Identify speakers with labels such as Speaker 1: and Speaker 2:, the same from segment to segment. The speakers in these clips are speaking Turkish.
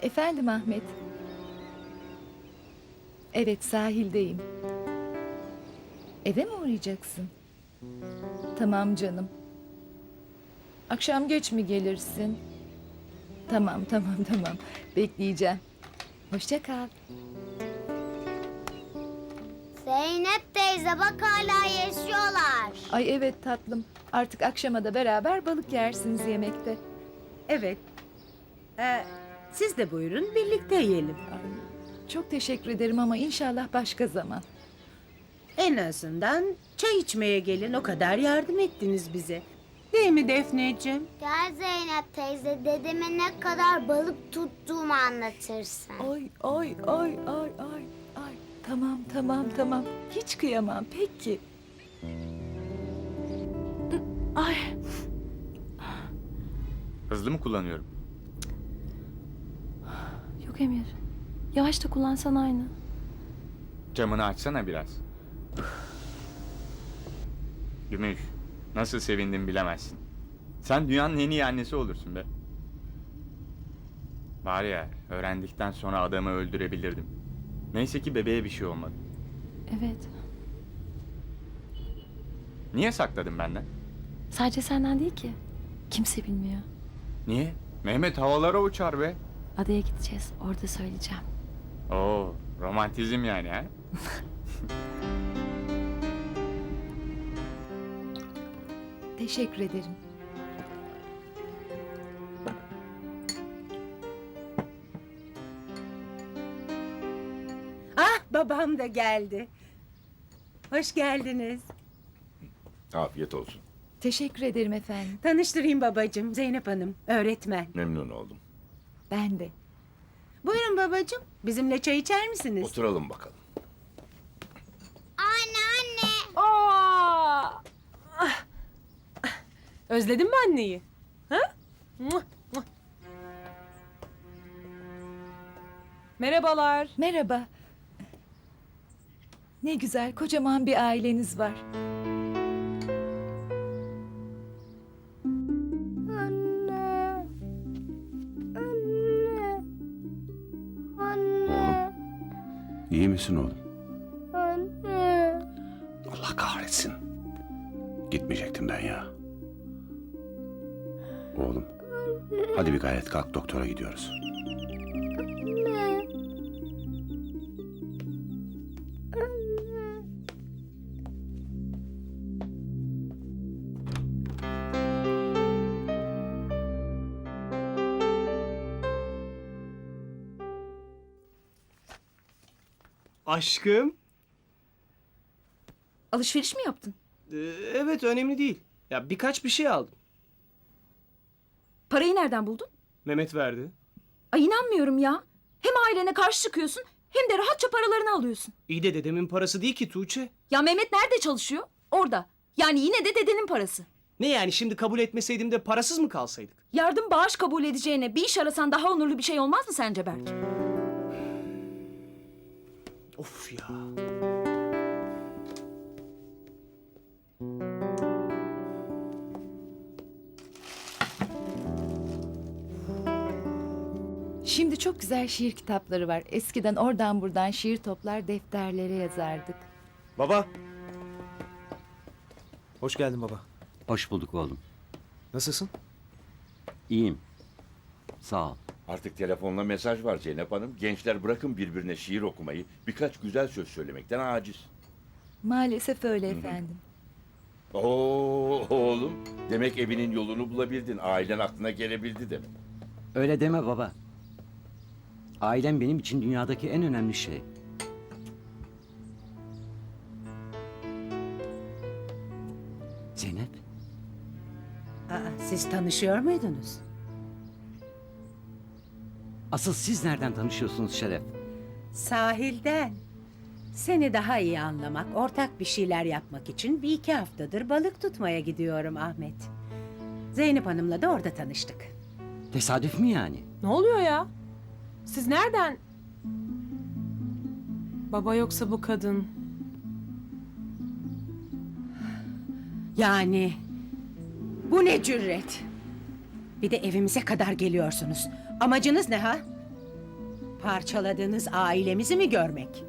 Speaker 1: Efendim Ahmet. Evet, sahildeyim. Eve mi uğrayacaksın? Tamam canım. Akşam geç mi gelirsin? Tamam. Bekleyeceğim. Hoşça kal.
Speaker 2: Zeynep teyze bak hala yaşıyorlar.
Speaker 1: Ay evet tatlım. Artık akşama da beraber balık yersiniz yemekte.
Speaker 3: Evet. Siz de buyurun birlikte yiyelim.
Speaker 1: Ay, çok teşekkür ederim ama inşallah başka zaman.
Speaker 3: En azından çay içmeye gelin, o kadar yardım ettiniz bize. Değil mi Defneciğim?
Speaker 2: Gel Zeynep teyze dedeme ne kadar balık tuttuğumu anlatırsın.
Speaker 1: Ay. Tamam. Hiç kıyamam. Peki. Ay.
Speaker 4: Hızlı mı kullanıyorum?
Speaker 5: Yok Emir. Yavaş da kullansan aynı.
Speaker 4: Camını açsana biraz. Gümüş, nasıl sevindim bilemezsin. Sen dünyanın en iyi annesi olursun be. Var ya, öğrendikten sonra adamı öldürebilirdim. Neyse ki bebeğe bir şey olmadı.
Speaker 5: Evet.
Speaker 4: Niye sakladın benden?
Speaker 5: Sadece senden değil ki. Kimse bilmiyor.
Speaker 4: Niye? Mehmet havalara uçar be.
Speaker 5: Adaya gideceğiz. Orada söyleyeceğim.
Speaker 4: Oo, romantizm yani ha?
Speaker 1: Teşekkür ederim.
Speaker 3: Ah, babam da geldi. Hoş geldiniz.
Speaker 6: Afiyet olsun.
Speaker 1: Teşekkür ederim efendim.
Speaker 3: Tanıştırayım babacığım, Zeynep Hanım, öğretmen.
Speaker 6: Memnun oldum.
Speaker 1: Ben de.
Speaker 3: Buyurun babacığım, bizimle çay içer misiniz?
Speaker 6: Oturalım bakalım.
Speaker 2: Anne.
Speaker 7: Aa! Özledin mi anneyi? Ha? Muah, muah. Merhabalar.
Speaker 1: Merhaba. Ne güzel, kocaman bir aileniz var.
Speaker 2: Anne. Anne.
Speaker 6: İyi misin oğlum?
Speaker 2: Anne.
Speaker 6: Allah kahretsin. Gitmeyecektim ben ya. Oğlum. Hadi bir gayret kalk, doktora gidiyoruz.
Speaker 8: Aşkım.
Speaker 7: Alışveriş mi yaptın?
Speaker 8: Evet önemli değil. Ya birkaç bir şey aldım.
Speaker 7: Parayı nereden buldun?
Speaker 8: Mehmet verdi.
Speaker 7: Ay inanmıyorum ya. Hem ailene karşı çıkıyorsun hem de rahatça paralarını alıyorsun.
Speaker 8: İyi de dedemin parası değil ki Tuğçe.
Speaker 7: Ya Mehmet nerede çalışıyor? Orada. Yani yine de dedenin parası.
Speaker 8: Ne yani şimdi kabul etmeseydim de parasız mı kalsaydık?
Speaker 7: Yardım bağış kabul edeceğine bir iş arasan daha onurlu bir şey olmaz mı sence Berk?
Speaker 8: Of ya.
Speaker 1: Şimdi çok güzel şiir kitapları var. Eskiden oradan buradan şiir toplar defterlere yazardık.
Speaker 9: Baba. Hoş geldin baba.
Speaker 10: Hoş bulduk oğlum.
Speaker 9: Nasılsın?
Speaker 10: İyiyim. Sağ ol.
Speaker 6: Artık telefonla mesaj var Zeynep Hanım. Gençler bırakın birbirine şiir okumayı. Birkaç güzel söz söylemekten aciz.
Speaker 1: Maalesef öyle efendim.
Speaker 6: Oo oğlum. Demek evinin yolunu bulabildin. Ailen aklına gelebildi demek.
Speaker 10: Öyle deme baba. Ailem benim için dünyadaki en önemli şey. Zeynep,
Speaker 3: Siz tanışıyor muydunuz?
Speaker 10: asıl siz nereden tanışıyorsunuz Şeref?
Speaker 3: Sahilden. Seni daha iyi anlamak, ortak bir şeyler yapmak için bir iki haftadır balık tutmaya gidiyorum Ahmet. Zeynep Hanım'la da orada tanıştık.
Speaker 10: Tesadüf mü yani?
Speaker 7: Ne oluyor ya? Siz nereden? Baba yoksa bu kadın.
Speaker 3: Yani bu ne cüret? Bir de evimize kadar geliyorsunuz. Amacınız ne ha? Parçaladığınız ailemizi mi görmek?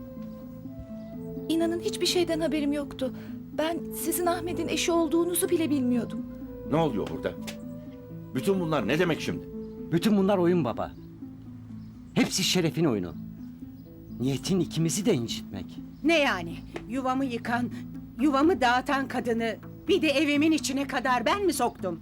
Speaker 1: İnanın hiçbir şeyden haberim yoktu. Ben sizin Ahmet'in eşi olduğunuzu bile bilmiyordum.
Speaker 6: Ne oluyor burada? Bütün bunlar ne demek şimdi?
Speaker 10: Bütün bunlar oyun baba. Hepsi şerefin oyunu. Niyetin ikimizi de incitmek.
Speaker 3: Ne yani? Yuvamı yıkan, yuvamı dağıtan kadını bir de evimin içine kadar ben mi soktum?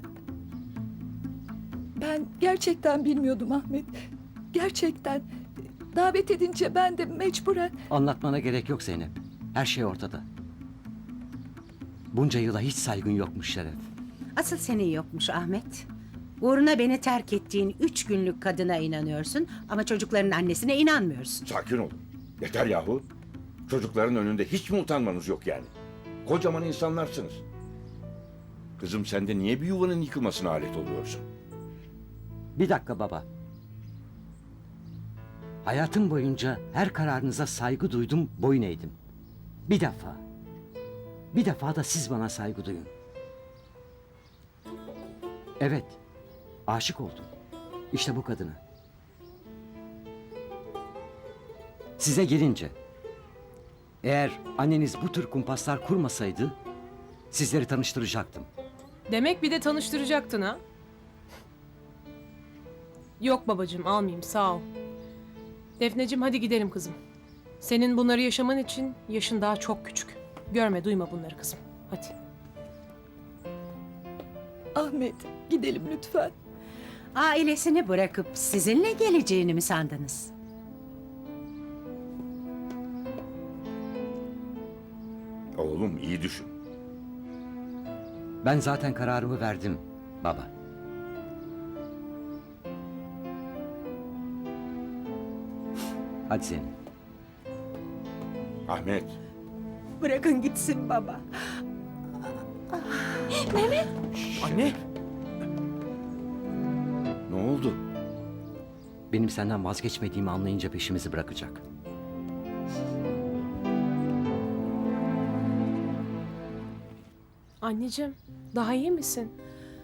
Speaker 1: Ben gerçekten bilmiyordum Ahmet. Gerçekten. Davet edince ben de mecburen...
Speaker 10: Anlatmana gerek yok Zeynep. Her şey ortada. Bunca yıla hiç saygın yokmuş Şeref.
Speaker 3: Asıl senin yokmuş Ahmet. Uğruna beni terk ettiğin 3 günlük kadına inanıyorsun ama çocukların annesine inanmıyorsun.
Speaker 6: Sakin olun. Yeter yahu. Çocukların önünde hiç mi utanmanız yok yani? Kocaman insanlarsınız. Kızım sen de niye bir yuvanın yıkılmasına alet oluyorsun?
Speaker 10: Bir dakika baba. Hayatım boyunca her kararınıza saygı duydum, boyun eğdim. Bir defa. Bir defa da siz bana saygı duyun. Evet, aşık oldum. İşte bu kadına. Size gelince, eğer anneniz bu tür kumpaslar kurmasaydı, sizleri tanıştıracaktım.
Speaker 11: Demek bir de tanıştıracaktın ha? Yok babacığım almayayım sağ ol. Defneciğim hadi gidelim kızım. Senin bunları yaşaman için yaşın daha çok küçük. Görme duyma bunları kızım. Hadi.
Speaker 1: Ahmet, gidelim lütfen.
Speaker 3: Ailesini bırakıp sizinle geleceğini mi sandınız?
Speaker 6: Oğlum iyi düşün.
Speaker 10: Ben zaten kararımı verdim baba. Hadi Zeynep.
Speaker 6: Ahmet.
Speaker 3: Bırakın gitsin baba.
Speaker 8: Anne.
Speaker 6: Ne oldu?
Speaker 10: Benim senden vazgeçmediğimi anlayınca peşimizi bırakacak.
Speaker 11: Anneciğim daha iyi misin?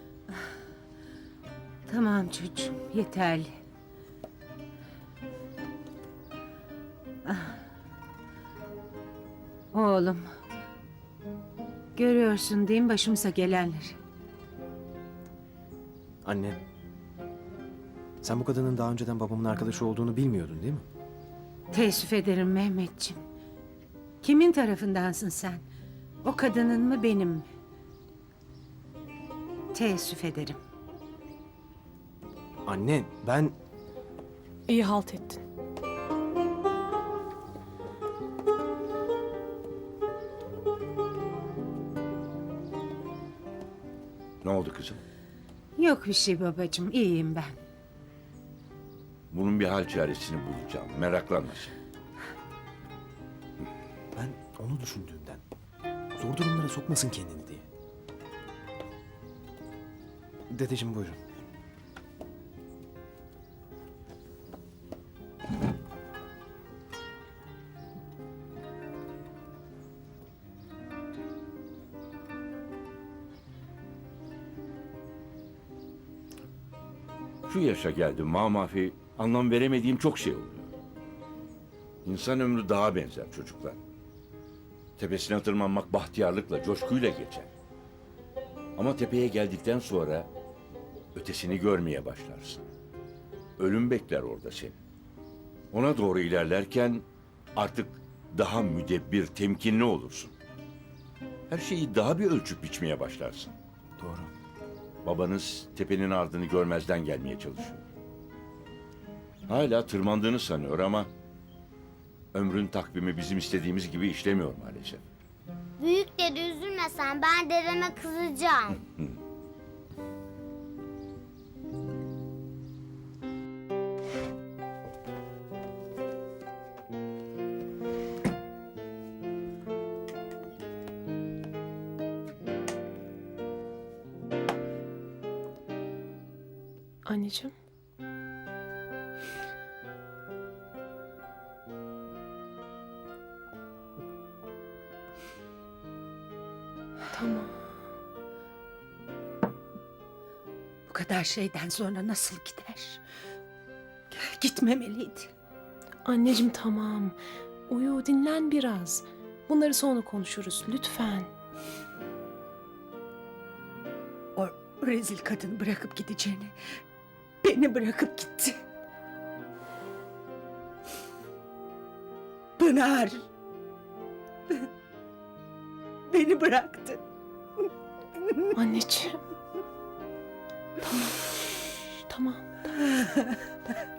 Speaker 3: Tamam çocuğum yeterli. Ah. Oğlum. Görüyorsun değil mi başımıza gelenleri?
Speaker 9: Anne. Sen bu kadının daha önceden babamın arkadaşı olduğunu bilmiyordun değil mi?
Speaker 3: Teessüf ederim Mehmetciğim. Kimin tarafındansın sen? O kadının mı benim mi? Teessüf ederim.
Speaker 9: Anne ben...
Speaker 11: İyi halt ettin.
Speaker 6: Ne oldu kızım?
Speaker 3: Yok bir şey babacığım iyiyim ben.
Speaker 6: Bunun bir hal çaresini bulacağım. Meraklanma sen.
Speaker 9: Ben onu düşündüğümden. Zor durumlara sokmasın kendini diye. Dedeciğim buyurun.
Speaker 6: Şu yaşa geldim mamafi anlam veremediğim çok şey oluyor. İnsan ömrü dağa benzer çocuklar. Tepesine tırmanmak bahtiyarlıkla, coşkuyla geçer. Ama tepeye geldikten sonra ötesini görmeye başlarsın. Ölüm bekler orada seni. Ona doğru ilerlerken artık daha müdebbir, temkinli olursun. Her şeyi daha bir ölçüp biçmeye başlarsın.
Speaker 9: Doğru.
Speaker 6: Babanız tepenin ardını görmezden gelmeye çalışıyor. Hala tırmandığını sanıyor ama ömrün takvimi bizim istediğimiz gibi işlemiyor maalesef.
Speaker 2: Büyük dede üzülme sen, ben dedeme kızacağım.
Speaker 11: Anneciğim. Tamam.
Speaker 3: Bu kadar şeyden sonra nasıl gider? Gel. Gitmemeliydi.
Speaker 11: Anneciğim tamam. Uyu, dinlen biraz. Bunları sonra konuşuruz lütfen.
Speaker 3: O rezil kadın bırakıp gideceğini, beni bırakıp gitti. Pınar. Beni bıraktı.
Speaker 11: Anneciğim. Tamam. Tamam.